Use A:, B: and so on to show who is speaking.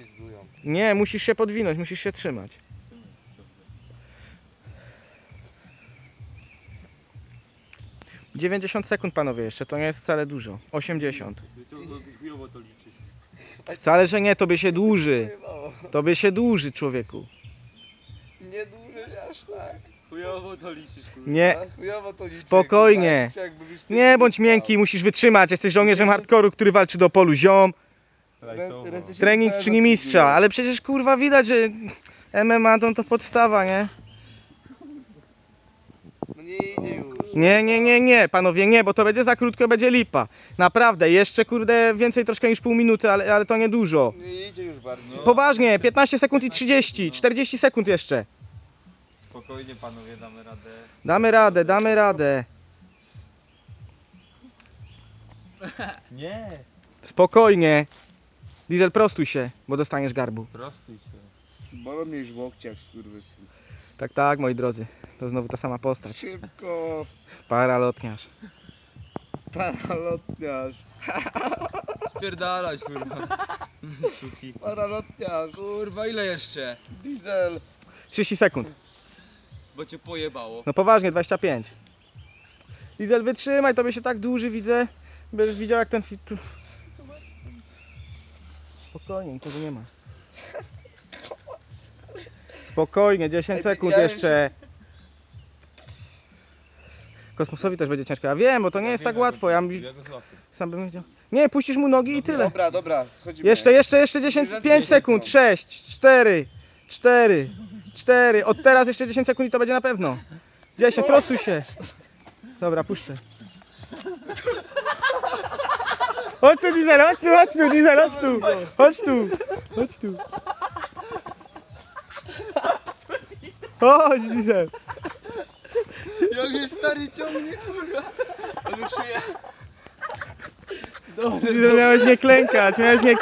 A: poślizgują.
B: Nie, musisz się podwinąć, musisz się trzymać. - 90 sekund panowie jeszcze, to nie jest wcale dużo. 80.
A: Chujowo to liczysz.
B: Wcale, że nie, tobie się dłuży. Tobie się dłuży, człowieku.
C: Nie dłużej aż tak.
A: Chujowo to liczysz, kurwa.
B: Nie,
C: A chujowo to liczy.
B: spokojnie.
C: Kurwa, jakby byś ty
B: Nie bądź
C: stał.
B: miękki, musisz wytrzymać. Jesteś żołnierzem hardkoru, który walczy do polu ziom.
C: Ręce się
B: Trening
C: wydają
B: czyni
C: na
B: mistrza,
C: figurę.
B: ale przecież kurwa widać, że MMA to podstawa, nie?
C: No nie idzie już.
B: Nie, panowie, nie, bo to będzie za krótko, będzie lipa. Naprawdę, jeszcze kurde więcej troszkę niż pół minuty, ale to nie dużo.
C: Nie idzie już bardziej.
B: Poważnie, 15 sekund i 30, 40 sekund jeszcze.
A: Spokojnie panowie, damy radę.
B: Damy radę, damy radę.
A: Nie.
B: Spokojnie. Diesel, prostuj się, bo dostaniesz garbu.
A: Prostuj się.
C: Bolą mnie już w łokciach, skurwysyn.
B: Tak, tak, moi drodzy. To znowu ta sama postać.
C: Szybko.
B: Paralotniarz.
C: Paralotniarz.
A: Spierdalać, kurwa. Suki.
C: Paralotniarz.
A: Kurwa, ile jeszcze?
C: Diesel.
B: 30 sekund.
A: Bo cię pojebało.
B: No poważnie, 25. Diesel, wytrzymaj, tobie się tak dłuży, widzę. Będziesz widział jak ten fit... Spokojnie, nikogo nie ma. Spokojnie, 10 sekund jeszcze. Kosmosowi też będzie ciężko. Ja wiem, bo to nie jest tak łatwo. Ja sam bym wiedział. Nie, puścisz mu nogi i tyle.
C: Dobra, dobra, schodzimy.
B: Jeszcze 10, 5 sekund. 6, 4, 4. Od teraz jeszcze 10 sekund i to będzie na pewno. 10, prostuj się. Dobra, puszczę. Chodź tu, Diesel, chodź tu, Diesel, chodź tu. Chodź tu. Chodź tu. Chodź, Diesel.
C: Jak mnie stary ciągnie, kurwa. Ale przyjechał.
B: Diesel, miałeś nie klękać, miałeś nie